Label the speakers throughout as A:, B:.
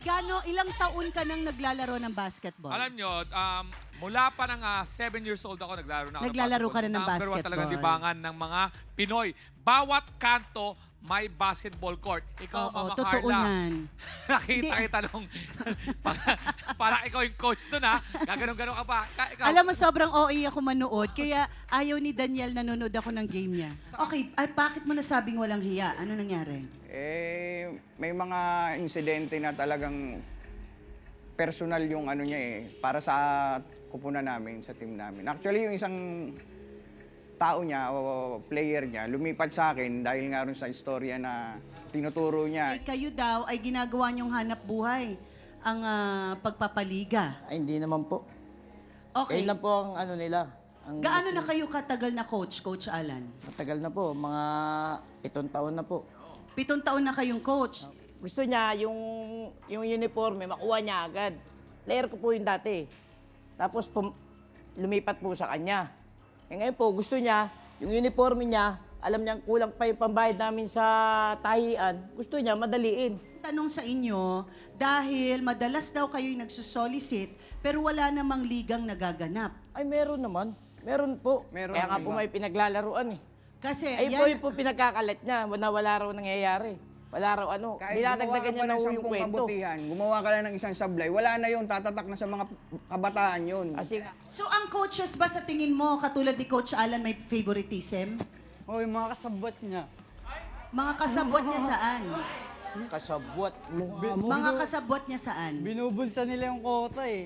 A: ilang taon ka nang naglalaro ng basketball?
B: Alam nyo, mula pa ng 7 years old ako, naglalaro na ako
A: Naglalaro ka na ng
B: Number one talaga
A: basketball.
B: libangan ng mga Pinoy. Bawat kanto, may basketball court. Ikaw,
A: Oo,
B: Mama
A: totoo
B: Carla,
A: yan.
B: nakita kita nung, parang ikaw yung coach nun ha. Gaganon-ganon ka pa. Ikaw,
A: Alam mo, sobrang OA ako manood, kaya ayaw ni Daniel nanonood ako ng game niya. Okay, ay bakit mo nasabing walang hiya? Ano nangyari?
C: May mga insidente na talagang personal yung ano niya para sa kupunan namin, sa team namin. Actually, yung isang tao niya o player niya, lumipat sa akin dahil nga rin sa istorya na tinuturo niya.
A: Ay, kayo daw ay ginagawa niyong hanap buhay ang pagpapaliga.
D: Ay, hindi naman po.
A: Okay.
D: Ayun lang po ang ano nila. Ang
A: Gaano na kayo katagal na coach, Coach Alan?
D: matagal na po, mga 7 taon na po.
A: 7 taon na kayong coach.
E: Gusto niya yung uniforme, makuha niya agad. Player ko po yung dati. Tapos lumipat po sa kanya. Eh ngayon po, gusto niya, yung uniforme niya, alam niyang kulang pa yung pambayad namin sa tahian. Gusto niya, madaliin.
A: Tanong sa inyo, dahil madalas daw kayo'y nagsusolicit, pero wala namang ligang nagaganap.
E: Ay, meron naman. Meron po.
C: Meron
E: Kaya nga
C: naman
E: po
C: ba?
E: may pinaglalaruan eh.
A: Kasi
E: Ay po yung po pinagkakalat niya, wala raw nangyayari. Wala raw ano. Dinadagdagan niya na ho yung kwento.
C: kabutihan, gumawa ka lang ng isang sablay, wala na yun, tatatak na sa mga kabataan yun.
E: Kasi nga,
A: So ang coaches ba sa tingin mo, katulad ni Coach Alan, may favoritism?
F: O, yung mga kasabot niya.
A: Mga kasabot niya saan?
D: Kasabwat.
A: Mga kasabot niya saan?
F: Binubulsa nila yung kota eh.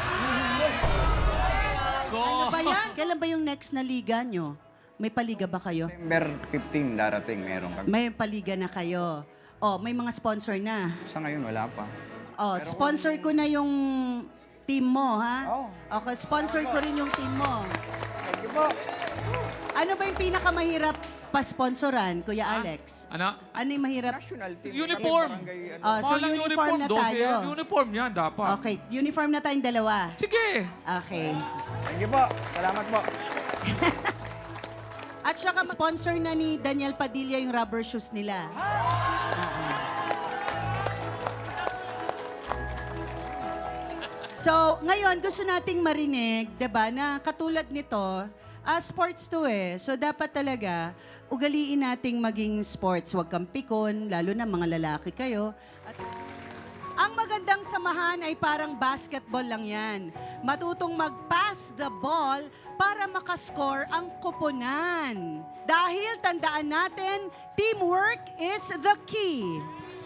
A: Ano ba yan? Kailan ba yung next na liga nyo? May paliga ba kayo?
C: September 15 darating, meron kami.
A: May paliga na kayo. Oh, may mga sponsor na.
C: Sa ngayon, wala pa.
A: Oh, sponsor ko na yung team mo, ha?
C: Oo.
A: Okay, sponsor ko rin yung team mo.
C: Thank you po.
A: Ano ba yung pinakamahirap pa-sponsoran, Kuya Alex?
B: ano?
A: Ano yung mahirap?
C: National team.
B: Uniform.
C: Barangay, ano.
A: Oh, so
B: Mahal ang
A: uniform na
B: 12,
A: tayo.
B: Uniform yan, dapat.
A: Okay, uniform na tayong dalawa.
B: Sige.
A: Okay.
C: Thank you po. Salamat po.
A: At saka sponsor na ni Daniel Padilla yung rubber shoes nila. So, ngayon gusto nating marinig, 'di ba, na katulad nito, sports to eh. So dapat talaga ugaliin nating maging sports, wag kang pikon, lalo na mga lalaki kayo. Ang magandang samahan ay parang basketball lang yan. Matutong mag-pass the ball para makascore ang koponan. Dahil tandaan natin, teamwork is the key.